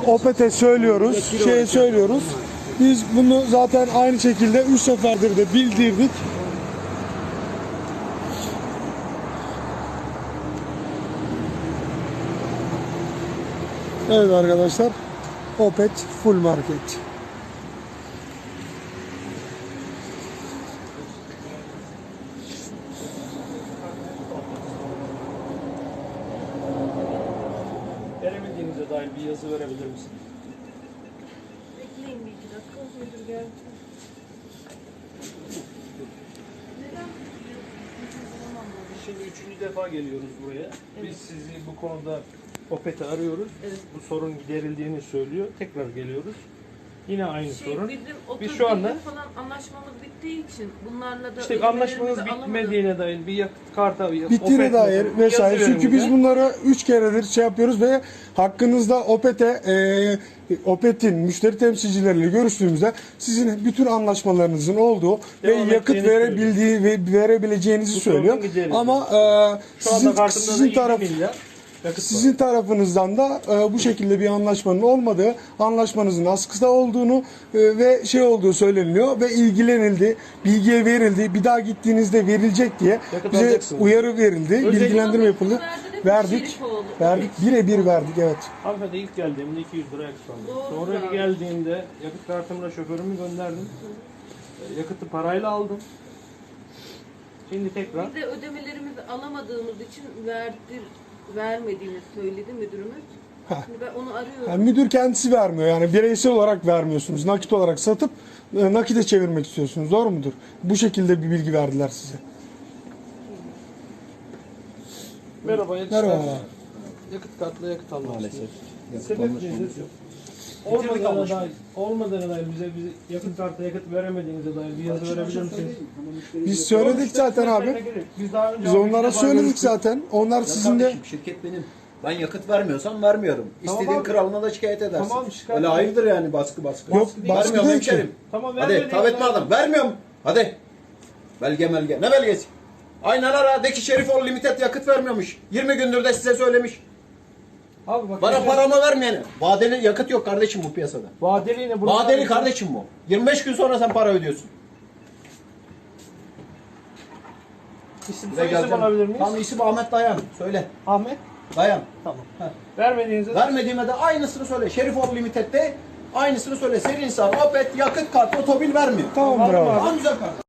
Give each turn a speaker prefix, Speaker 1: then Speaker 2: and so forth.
Speaker 1: Opet'e söylüyoruz, şeye söylüyoruz. Biz bunu zaten aynı şekilde 3 seferdir de bildirdik. Evet arkadaşlar, Opet Full Market.
Speaker 2: Veremediğinize dair bir yazı verebilir misin?
Speaker 3: Bekleyin bir iki dakika. Müdür geldi. Neden?
Speaker 2: Şimdi üçüncü defa geliyoruz buraya. Biz sizi bu konuda Opet'i arıyoruz.
Speaker 3: Evet.
Speaker 2: Bu sorun giderildiğini söylüyor. Tekrar geliyoruz. Yine aynı sorun.
Speaker 3: Bizim
Speaker 2: Biz şu anda
Speaker 3: falan anlaşmamız bittiği için bunlarla da
Speaker 2: işte anlaşmanız bitmediğine dair bir yakıt kartı,
Speaker 1: Bittiğine dair vesaire. Çünkü biz bunları 3 keredir şey yapıyoruz ve hakkınızda Opet'in müşteri temsilcileriyle görüştüğümüzde sizin bütün anlaşmalarınızın olduğu
Speaker 2: devam
Speaker 1: ve yakıt
Speaker 2: edeceğini
Speaker 1: verebildiği ve verebileceğinizi
Speaker 2: Bu
Speaker 1: söylüyor.
Speaker 2: sorunun giderilir.
Speaker 1: Ama
Speaker 2: şu anda kartımda da
Speaker 1: sizin
Speaker 2: 2
Speaker 1: taraf
Speaker 2: milyar yakıt
Speaker 1: sizin tarafınızdan da bu şekilde bir anlaşmanın olmadığı, anlaşmanızın askıda olduğunu ve şey olduğu söyleniliyor ve ilgilenildi, bilgiye verildi, bir daha gittiğinizde verilecek diye
Speaker 2: Yakıt
Speaker 1: bize
Speaker 2: alacaksınız.
Speaker 1: uyarı verildi,
Speaker 2: Özellikle
Speaker 1: bilgilendirme yapıldı. Verdik, birebir verdik, evet.
Speaker 2: Hanımefendi ilk geldiğimde 200 lira yakıt aldım.
Speaker 3: Doğru
Speaker 2: Sonra
Speaker 3: abi.
Speaker 2: geldiğimde yakıt kartımla şoförümü gönderdim. Yakıtı parayla aldım. Şimdi tekrar
Speaker 3: Biz de ödemelerimizi alamadığımız için vermediğini söyledi müdürümüz. Şimdi ben onu arıyorum.
Speaker 1: Yani müdür kendisi vermiyor, yani bireysel olarak vermiyorsunuz, nakit olarak satıp nakite çevirmek istiyorsunuz, doğru mudur? Bu şekilde bir bilgi verdiler size.
Speaker 2: merhaba yakıt
Speaker 1: Merhaba.
Speaker 2: kartı. Yakıt kartla yakıt almak
Speaker 4: Maalesef.
Speaker 2: Sebep nedir? Olmadığına dair bize yakıt kartı yakıt veremediğinize dair bir yazı verebilir misiniz?
Speaker 1: Biz söyledik zaten abi.
Speaker 2: Biz daha önce
Speaker 1: Biz onlara
Speaker 2: bir defa
Speaker 1: söyledik
Speaker 2: görüştük.
Speaker 1: zaten. Onlar
Speaker 4: Ya
Speaker 1: sizin de
Speaker 4: kardeşim, şirket benim. Ben yakıt vermiyorsam vermiyorum.
Speaker 2: Tamam
Speaker 4: İstediğin
Speaker 2: abi.
Speaker 4: kralına da şikayet edersin.
Speaker 2: Tamam, şikayet
Speaker 4: Öyle
Speaker 2: ederim.
Speaker 4: hayırdır yani baskı.
Speaker 1: Yok, baskı
Speaker 4: Vermiyorum
Speaker 1: değil ki.
Speaker 4: hemşerim.
Speaker 2: Tamam,
Speaker 4: Hadi
Speaker 2: vermediğinize
Speaker 4: tav etme
Speaker 2: dair-
Speaker 4: adam. Vermiyorum. Hadi. Belge. Ne belgesi? Aynen ara. De ki Şerifoğlu Limited yakıt vermiyormuş. 20 gündür de size söylemiş.
Speaker 2: Abi bak,
Speaker 4: Bana paramı vermeyene. Vadeli yakıt yok kardeşim bu piyasada.
Speaker 2: vadeli yine burada.
Speaker 4: Vadeli kardeşim bu. 25 gün sonra sen para ödüyorsun.
Speaker 2: İsim
Speaker 4: Bize
Speaker 2: soy isim
Speaker 4: geleceksin.
Speaker 2: alabilir miyiz?
Speaker 4: Tamam, isim Ahmet Dayan. Söyle.
Speaker 2: Ahmet.
Speaker 4: Dayan.
Speaker 2: Tamam.
Speaker 4: Heh.
Speaker 2: Vermediğinize
Speaker 4: Vermediğime de aynısını söyle. Şerifoğlu Limited'de aynısını söyle. Senin insan Opet yakıt kartı otobil vermiyor.
Speaker 1: tamamdır
Speaker 2: Var mı
Speaker 1: abi.
Speaker 4: Tamam güzel kardeşim.